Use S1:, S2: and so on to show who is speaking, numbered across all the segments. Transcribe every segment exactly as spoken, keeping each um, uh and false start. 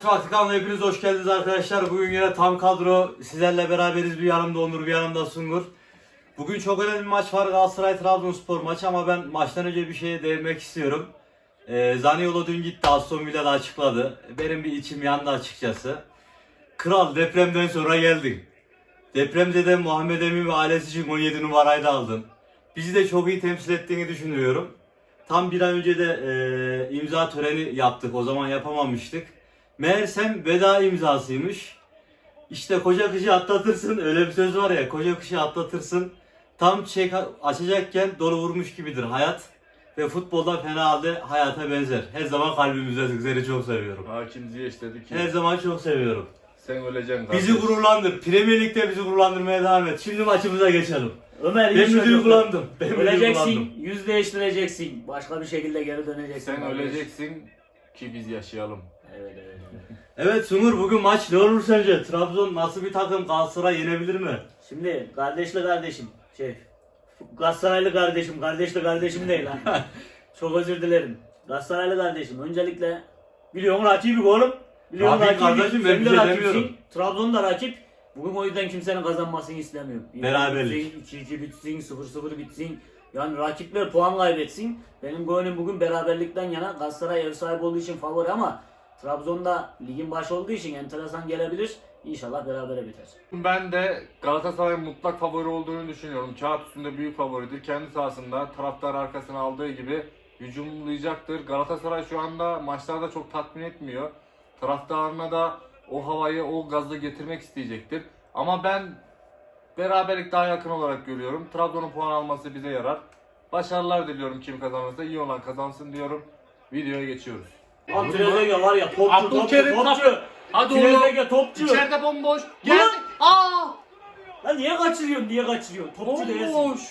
S1: Vatikan'la hepiniz hoş geldiniz arkadaşlar. Bugün yine tam kadro sizlerle beraberiz. Bir yanımda Onur, bir yanımda Sungur. Bugün çok önemli bir maç var, Galatasaray-Trabzonspor maçı, ama ben maçtan önce bir şeye değinmek istiyorum. Ee, Zaniolo dün gitti, Aston Villa'da açıkladı. Benim bir içim yandı açıkçası. Kral, depremden sonra geldin. Depremzede Muhammed Emin ve ailesi için on yedi numarayı da aldın. Bizi de çok iyi temsil ettiğini düşünüyorum. Tam bir ay önce de e, imza töreni yaptık, o zaman yapamamıştık. Meğersem veda imzasıymış. İşte koca kışı atlatırsın, öyle bir söz var ya, koca kışı atlatırsın. Tam çiçek açacakken dolu vurmuş gibidir hayat. Ve futbolda fena halde hayata benzer. Her zaman kalbimizde, seni çok seviyorum.
S2: Hakim Ziyech dedi ki
S1: Her zaman çok seviyorum.
S2: sen öleceksin kardeş.
S1: Bizi gururlandır. Premier Lig'de bizi gururlandırmaya devam et. Şimdi maçımıza geçelim.
S3: Ömer
S1: Ben
S3: hiç
S1: mi duygulandım? Ben mi duygulandım?
S3: öleceksin, yüz değiştireceksin. Başka bir şekilde geri döneceksin.
S2: Sen
S3: kardeş.
S2: öleceksin ki biz yaşayalım.
S3: Evet evet. evet.
S1: Evet Sungur, bugün maç ne olur sence? Trabzon nasıl bir takım? Galatasaray yenebilir mi?
S3: Şimdi kardeşli kardeşim, şey, Galatasaraylı kardeşim, kardeşli kardeşim değil lan. Çok özür dilerim. Galatasaraylı kardeşim, öncelikle biliyorsun rakibik oğlum. Biliyorsun
S1: Rakip
S3: rakibik.
S1: kardeşim, ben
S3: Sen
S1: bir
S3: de
S1: şey
S3: rakipsin.
S1: demiyorum.
S3: Trabzon da rakip. Bugün o yüzden kimsenin kazanmasını istemiyorum.
S1: Beraberlik.
S3: iki iki bitsin, sıfır sıfır bitsin. Yani rakipler puan kaybetsin. Benim gönlüm bugün beraberlikten yana. Galatasaray ev sahibi olduğu için favori, ama Trabzon'da ligin başı olduğu için enteresan gelebilir. İnşallah berabere biter.
S2: Ben de Galatasaray'ın mutlak favori olduğunu düşünüyorum. Kağıt üstünde büyük favoridir. Kendi sahasında taraftar arkasına aldığı gibi hücumlayacaktır. Galatasaray şu anda maçlarda çok tatmin etmiyor. Taraftarına da o havayı, o gazı getirmek isteyecektir. Ama ben beraberlik daha yakın olarak görüyorum. Trabzon'un puan alması bize yarar. Başarılar diliyorum, kim kazanırsa iyi olan kazansın diyorum. Videoya geçiyoruz.
S3: Lan Trezeguet var ya, topçu topçu
S2: Abdülkerim
S3: topçu.
S2: kapı. Hadi oğlum.
S3: Trezeguet topçu.
S2: İçeride bomboş. Geldi. Aa!
S3: Lan niye kaçırıyorsun, niye kaçırıyorsun? Topçu değilsin.
S2: Bomboş.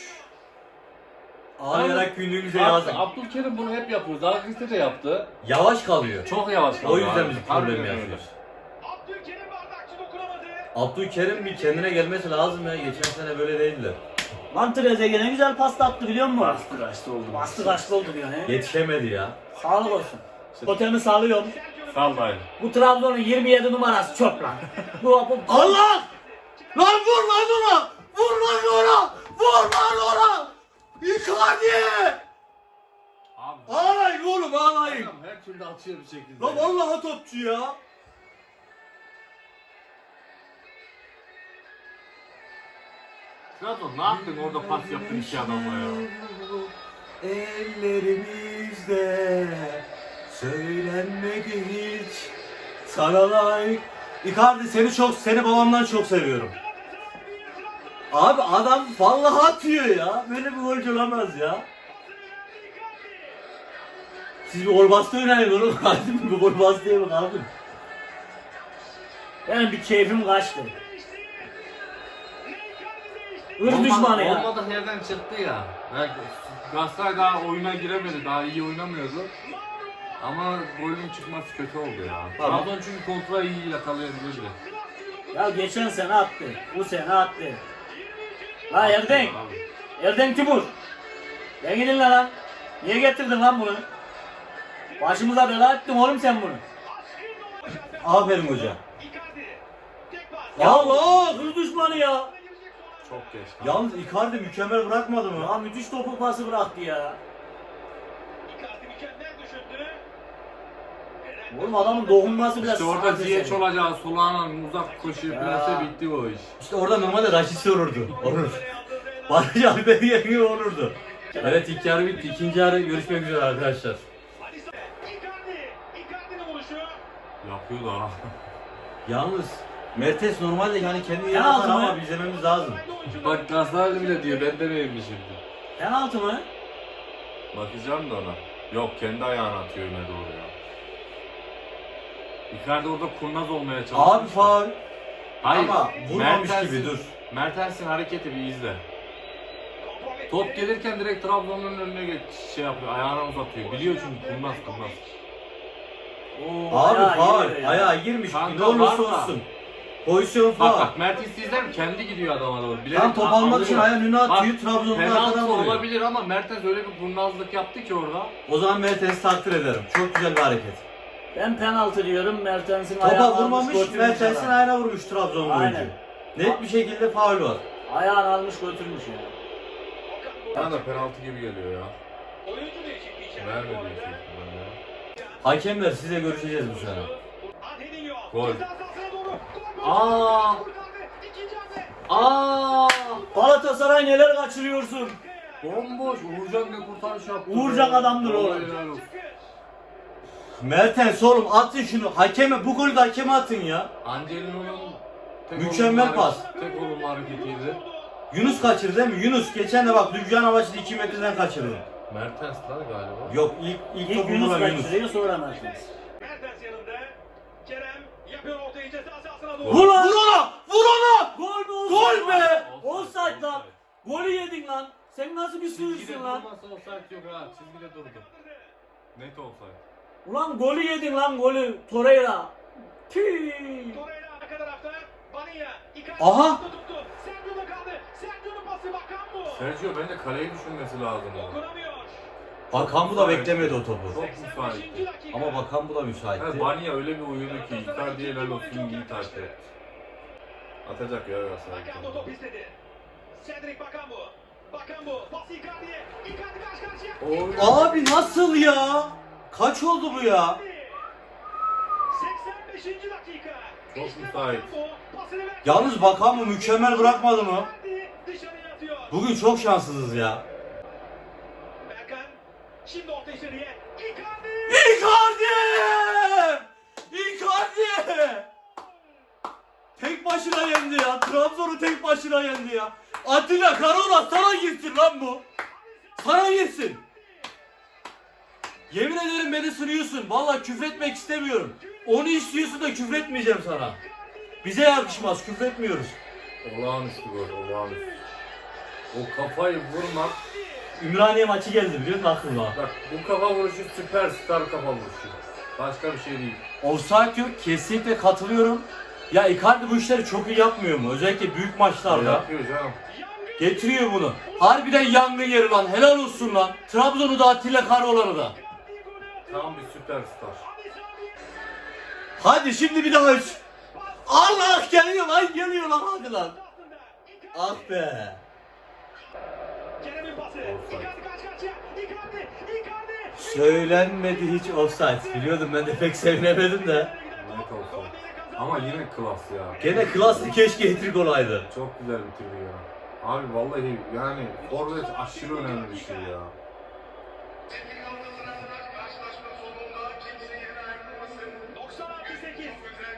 S1: Ağlayarak günlüğümüze
S2: Abi,
S1: yazın.
S2: Abdülkerim bunu hep yapıyor. Zalgiris'te de yaptı.
S1: Yavaş kalıyor.
S2: Çok yavaş
S1: O
S2: kalıyor
S1: yüzden
S2: abi.
S1: biz
S2: Harbiden
S1: problem
S2: öyle.
S1: yaşıyoruz.
S4: Abdülkerim bardakçı dokunamadı.
S1: Abdülkerim bir kendine gelmesi lazım ya. Geçen sene böyle değildi.
S3: Lan Trezeguet ne güzel pasta attı biliyor musun?
S2: Bastı kaçtı oldu.
S3: Bastı kaçtı oldu diyor he.
S1: Yetişemedi ya.
S3: Sağlık olsun. Totemi sağlıyorum.
S2: Sal dayı.
S3: Bu Trabzon'un yirmi yedi numarası çöp lan. bu, bu,
S1: Allah! Lan vur lan ona! Vur lan ona! Vur lan ona! Icardi!
S2: Abi.
S1: Ağlayın oğlum, ağlayın.
S2: Adam her türlü atıyor bir şekilde.
S1: Lan vallahi topçu ya.
S2: Trabzon ne yaptın orada pas yaptın iki adamla ya.
S1: Ellerimizde söylenmedi hiç sana layık. Icardi, seni çok, seni babamdan çok seviyorum. Abi adam vallahi atıyor ya. Böyle bir golcü olamaz ya. Siz bir gol bastı oynayın oğlum. Hadi bir gol bastı diye bak abi.
S3: benim bir keyfim kaçtı. Hır
S2: Olmadı-
S3: düşmanı ya.
S2: Olmadık yerden çıktı ya. Yani Galatasaray daha oyuna giremedi. Daha iyi oynamıyordu. Ama golün çıkması kötü oldu ya.
S1: Tamam.
S2: Trabzon çünkü kontra iyi yakalayabilirdi.
S3: Ya geçen sene attı. Bu sene attı. La Erden.
S2: Abi.
S3: Erden Timur. Ben gidin lan lan. Niye getirdin lan bunu? Başımıza bela ettin oğlum sen bunu.
S1: Aferin hoca.
S4: Icardi. Tek pas.
S3: Ya Allah, hır düşmanı ya.
S2: Çok geç.
S1: Yalnız Icardi mükemmel bırakmadı mı?
S3: Ya müthiş topu pası bıraktı ya.
S4: Icardi mükemmel düşündü.
S3: Oğlum adamın dokunması bile
S2: İşte orada
S3: sanat
S2: Ziyech
S3: eseri.
S2: olacağı solağına uzak koşuyor
S3: Ya.
S2: plase bitti o iş.
S1: İşte orada normalde Raşit olurdu. Olur. Barış Alper yenge olurdu. Evet, ilk yarı bitti. İkinci yarı görüşmek üzere arkadaşlar.
S4: Alisson. Icardi. Icardi'nin vuruşu.
S2: Yapıyor da.
S1: Yalnız Mertes normalde yani kendi yerine
S3: Penaltı
S1: atar
S3: mı?
S1: ama izlememiz lazım.
S2: Bak Galatasaraylı bile diyor ben demeyeyim şimdi.
S3: Penaltı mı?
S2: Bakacağım da ona. Yok kendi ayağını atıyor öne doğru ya. Icardi orada kurnaz olmaya çalışıyor.
S1: Abi faul.
S2: Hayır.
S1: Ama vurmamış
S2: Mertens'in-
S1: gibi, dur.
S2: Mertens'in hareketi bir izle. Top gelirken direkt Trabzon'un önüne geç, şey yapıyor, ayağını uzatıyor. Biliyor çünkü kurnaz kurnaz.
S3: Oo,
S1: Abi
S3: ayağı
S1: faul.
S3: giriyor ya.
S1: Ayağa girmiş.
S2: Kanka,
S1: Ne olursa
S2: var da.
S1: olsun. Pozisyon
S2: Bak
S1: faul.
S2: bak Mertens'i izler mi? Kendi gidiyor adama doğru. Bilerek
S1: Tam top
S2: a-
S1: almak için
S2: alıyor.
S1: ayağını önüne atıyor.
S2: Bak,
S1: Trabzon'un
S2: penaltı
S1: arkadan vuruyor.
S2: olabilir ama Mertens öyle bir kurnazlık yaptı ki orada.
S1: O zaman Mertes'i takdir ederim. Çok güzel bir hareket.
S3: Ben penaltı diyorum. Mertens'in
S1: Topa
S3: ayağını almış
S1: vurmamış,
S3: götürmüş
S1: Mertens'in
S3: adam.
S1: ayağına vurmuş Trabzonlu oyuncu.
S3: Aynen.
S1: Net bir şekilde faul var.
S3: Ayağını almış götürmüş ya.
S2: Bana da penaltı gibi geliyor ya.
S4: Oyuncu değişikliği içeride bu
S2: Vermedi
S4: arada.
S2: büyük ihtimalle ya.
S1: Hakemler size görüşeceğiz bu sene.
S4: Angelinho.
S2: Gol.
S4: Ceza sahasına doğru. Gol.
S3: Aa!
S4: Kurtardı. İkinci hamle.
S3: Aa! Galatasaray neler kaçırıyorsun?
S2: Bomboş. Uğurcan ne kurtarış yaptı.
S3: Uğurcan
S2: be.
S3: adamdır oğlum.
S2: Vallahi helal olsun.
S1: Mertens oğlum atın şunu. Hakeme bu golü de hakeme atın ya.
S2: Angelino'nun tek
S1: Mükemmel
S2: olumlu
S1: pas.
S2: hareket- Tek olumlu hareketiydi.
S1: Yunus kaçırdı değil mi? Yunus geçen de bak Düzcan Avaç'ı iki metreden kaçırdı.
S2: Mertens lan galiba.
S1: Yok ilk ilk,
S3: İlk
S1: topu
S3: Yunus
S1: vuran Yunus.
S3: kaçırıyor sonra Mertens.
S4: Mertens yanında. Kerem yapıyor ortayı ceza sahasına doğru.
S3: Vur lan!
S1: Vur onu! Vur onu!
S3: Gol mü?
S1: Gol
S3: offside
S1: be!
S3: lan? Offside lan! Golü yedin lan! Sen nasıl bir
S2: Çizgide
S3: sürüsün lan?
S2: durmasa offside yok ha. Çizgide durdu. Net offside.
S3: Ulan golü yedin lan golü. Torreira. Tüy.
S4: Torreira arka tarafta. Bania. Icardi
S1: Aha!
S4: tuttu, tuttu. Sergio'da kaldı. Sergio'nun pası bakan bu.
S2: Sergio bence kaleyi düşünmesi lazım.
S4: Dokunamıyor.
S1: Bakan bu da beklemedi o topu.
S2: Çok
S4: seksen
S2: müsait.
S4: beşinci dakika.
S1: Ama Bakan bu da müsaitti.
S2: Ha, Banya öyle bir uyudu ki Icardi'ye helal olsun iyi takip etti. Atacak ya Galatasaray.
S4: Bakan bu top istedi. Cedric Bakan bu. Bakan bu. Pası Icardi'ye. Icardi karşı karşıya.
S2: Oy.
S1: Abi nasıl ya? Kaç oldu bu ya?
S4: seksen beşinci dakika.
S2: Çok
S4: İşte
S2: müsait.
S4: Bakan bu. Pasını verdi.
S1: Yalnız Bakan mı mükemmel bırakmadı mı?
S4: Icardi dışarıya atıyor.
S1: Bugün çok şanssızız ya.
S4: Berkan. Şimdi orta içeriye. Icardi.
S1: Icardi! Icardi! Tek başına yendi ya. Trabzon'u tek başına yendi ya. Atilla Karaoğlan sana girsin lan bu. Sana girsin. Yemin ederim beni sürüyorsun. Vallahi küfretmek istemiyorum. Onu istiyorsun da küfretmeyeceğim sana. Bize yakışmaz. Küfretmiyoruz.
S2: Olağanüstü gol, olağanüstü. O kafayı vurmak,
S1: Ümraniye maçı geldi biliyor musun aklıma?
S2: bak bu kafa vuruşu süperstar kafa vuruşu. Başka bir şey değil.
S1: Offside yok. Kesinlikle katılıyorum. Ya Icardi bu işleri çok iyi yapmıyor mu? Özellikle büyük maçlarda.
S2: Yapıyor canım.
S1: Getiriyor bunu. Harbiden yangın yeri lan. Helal olsun lan. Trabzon'u da Atilla Karaoğlan'ı da.
S2: Tam bir süperstar.
S1: Hadi şimdi bir daha üç. Allah geliyor lan geliyor lan hadi lan. Ah be.
S4: Kerem'in pası.
S2: Offside.
S4: Icardi karşı karşıya. Icardi. Icardi.
S1: Söylenmedi hiç offside. Biliyordum ben de pek sevinemedim de.
S2: Net offside. Ama yine klas ya.
S1: Gene klaslı keşke hat-trick olaydı.
S2: Çok güzel bitirdi ya. Abi vallahi yani forvet aşırı önemli bir şey ya.
S4: doksan artı sekiz.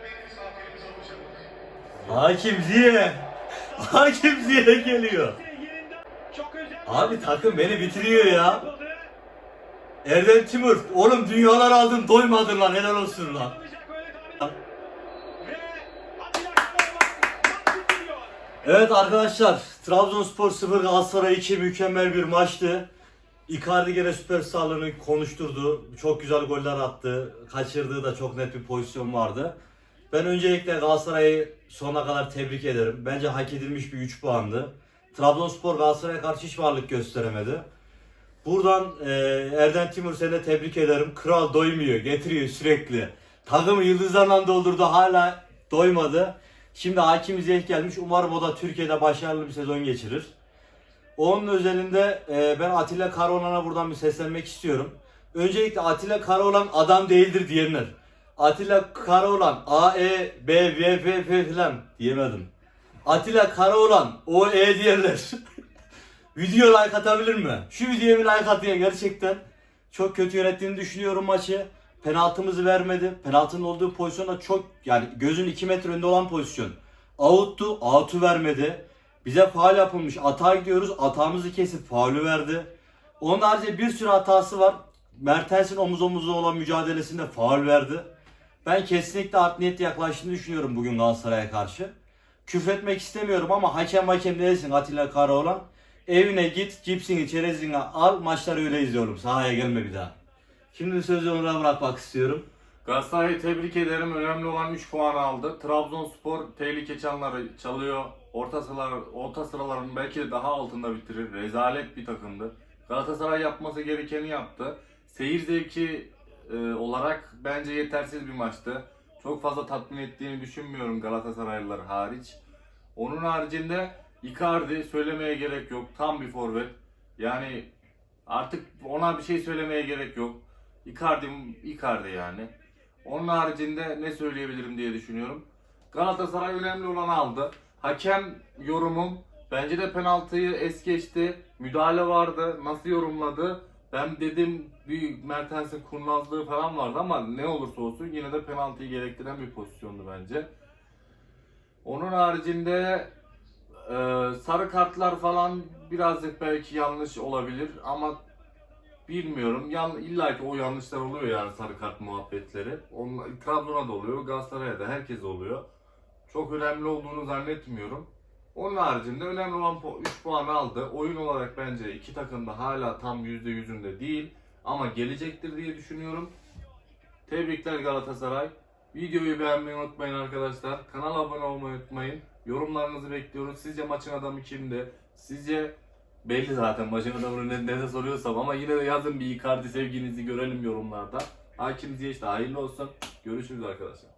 S1: Hakim Ziye. Hakim Ziye geliyor.
S4: Yerinden çok özel.
S1: Abi takım beni bitiriyor ya.
S4: Yapıldı.
S1: Erdem Timur. Oğlum dünyalar aldın doymadın lan helal olsun lan.
S4: Olacak böyle tahmin. Ve Atilla Karaoğlan maç bitiriyor.
S1: Evet arkadaşlar, Trabzonspor sıfır Galatasaray iki mükemmel bir maçtı. Icardi gene süperstarlığını konuşturdu. Çok güzel goller attı. Kaçırdığı da çok net bir pozisyon vardı. Ben öncelikle Galatasaray'ı sonuna kadar tebrik ederim. Bence hak edilmiş bir üç puandı. Trabzonspor Galatasaray'a karşı hiç varlık gösteremedi. Buradan e, Erdem Timur seni de tebrik ederim. Kral doymuyor, getiriyor sürekli. Takımı yıldızlarla doldurdu, hala doymadı. Şimdi Hakim Ziyech gelmiş. Umarım o da Türkiye'de başarılı bir sezon geçirir. Onun özelinde e, ben Atilla Karaoğlan'a buradan bir seslenmek istiyorum. Öncelikle Atilla Karaoğlan adam değildir diyenler. Atilla Karaoğlan A, E, B, V, F, F falan diyemedim. Atilla Karaoğlan O, E diyenler. Video like atabilir mi? Şu videoya bir like at ya, gerçekten. Çok kötü yönettiğini düşünüyorum maçı. Penaltımızı vermedi. Penaltının olduğu pozisyon da çok, yani gözün iki metre önünde olan pozisyon. Out'tu, out'u vermedi. Bize faul yapılmış. Atağa gidiyoruz. Atağımızı kesip faulü verdi. Onun haricinde bir sürü hatası var. Mertens'in omuz omuza olan mücadelesinde faul verdi. Ben kesinlikle art niyetli yaklaştığını düşünüyorum bugün Galatasaray'a karşı. Küfretmek istemiyorum ama hakem hakem değilsin Atilla Karaoğlan. Evine git, cipsini, çerezini al, maçları öyle izliyorum. Sahaya gelme bir daha. Şimdi sözü Onur'a bırakmak istiyorum.
S2: Galatasaray'ı tebrik ederim. Önemli olan üç puan aldı. Trabzonspor tehlike çanları çalıyor. Orta sıralar, orta sıraların belki de daha altında bitirir. Rezalet bir takımdı. Galatasaray yapması gerekeni yaptı. Seyir zevki e, olarak bence yetersiz bir maçtı. Çok fazla tatmin ettiğini düşünmüyorum Galatasaraylılar hariç. Onun haricinde Icardi söylemeye gerek yok. Tam bir forvet. Yani artık ona bir şey söylemeye gerek yok. Icardi, Icardi yani. Onun haricinde ne söyleyebilirim diye düşünüyorum. Galatasaray önemli olanı aldı. Hakem yorumum bence de penaltıyı es geçti. Müdahale vardı. Nasıl yorumladı? Ben dedim bir Mertens'in kurnazlığı falan vardı ama ne olursa olsun yine de penaltıyı gerektiren bir pozisyondu bence. Onun haricinde e, sarı kartlar falan birazcık belki yanlış olabilir ama bilmiyorum. Yan, illa ki o yanlışlar oluyor yani sarı kart muhabbetleri. Onlar, Trabzon'a da oluyor, Galatasaray'a da herkes oluyor. Çok önemli olduğunu zannetmiyorum. Onun haricinde önemli olan üç puan aldı. Oyun olarak bence iki takım da hala tam yüzde yüzünde değil. Ama gelecektir diye düşünüyorum. Tebrikler Galatasaray. Videoyu beğenmeyi unutmayın arkadaşlar. Kanala abone olmayı unutmayın. Yorumlarınızı bekliyoruz. Sizce maçın adamı kimdi? Sizce belli zaten maçın adamını ne, ne de soruyorsam ama yine de yazın bir Icardi sevginizi görelim yorumlarda. Hakim Ziyech de hayırlı olsun. Görüşürüz arkadaşlar.